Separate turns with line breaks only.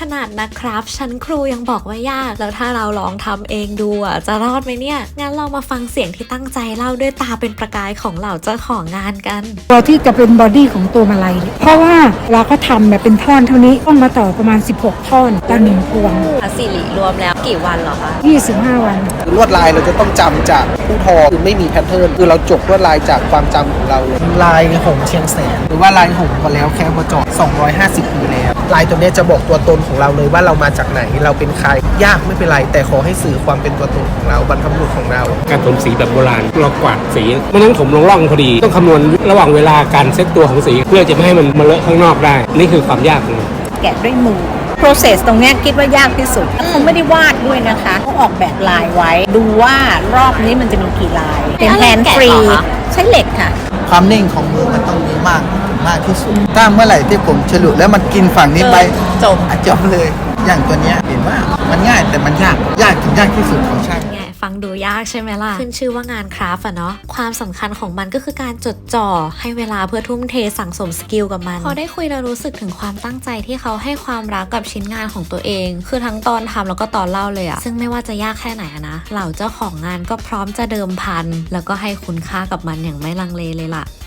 ขนาดนะครับชั้นครูยังบอกว่ายากแล้วถ้าเราลองทำเองดูจะรอดไหมเนี่ยงั้นเรามาฟังเสียงที่ตั้งใจเล่าด้วยตาเป็นประกายของเหล่าเจ้าของงานกัน
ตัวที่จะเป็นบอดี้ของตัวมาลัยเพราะว่าเราก็ทำแบบเป็นท่อนเท่านี้ต้องมาต่อประมาณ16ท่อนต่อ1พวง
สิริรวมแล้วกี่วันเหรอคะ
25 วัน
ลวดลายเราจะต้องจำจากผู้ทอคือไม่มีแพทเทิร์นคือเราจบลวดลายจากความจำของเราเลยลายหงเชียงแสนหรือว่าลายหงมาแล้วแค่มาจอด250 ปีแล้วลายตัวนี้จะบอกตัวตนของเราเลยว่าเรามาจากไหนเราเป็นใครยากไม่เป็นไรแต่ขอให้สื่อความเป็นตัวตนของเราบรรพบุรุษของเรา
การถมสีแบบโบราณเรากวาดสีไม่ต้องถมลงร่องพอดีต้องคำนวณระหว่างเวลาการเซตตัวของสีเพื่อจะไม่ให้มันมาเลอะข้างนอกได้นี่คือความยากของมัน
แกะด้วยมือ process ตรงนี้คิดว่ายากที่สุดเขาไม่ได้วาดด้วยนะคะเขาออกแบบลายไว้ดูว่ารอบนี้มันจะมีกี่ลายเป็นแฮนด์ฟรีใช้เหล็กค่ะ
ความนิ่งของมือมันต้องมีมากที่สุดถ้าเมื่อไหร่ที่ผมฉลุแล้วมันกินฝั่งนี้ไปจบเลยอย่างตัวเนี้ยเห็นว่ามันง่ายแต่มันยากถึงยากที่สุดของช่าง
ฟังดูยากใช่ไหมล่ะขึ้นชื่อว่างานคราฟต์เนาะความสำคัญของมันก็คือการจดจ่อให้เวลาเพื่อทุ่มเทสั่งสมสกิลกับมันพอได้คุยแล้วรู้สึกถึงความตั้งใจที่เขาให้ความรักกับชิ้นงานของตัวเองคือทั้งตอนทำแล้วก็ตอนเล่าเลยซึ่งไม่ว่าจะยากแค่ไหนนะเหล่าเจ้าของงานก็พร้อมจะเดิมพันแล้วก็ให้คุณค่ากับมันอย่างไม่ลังเลเลยล่ะ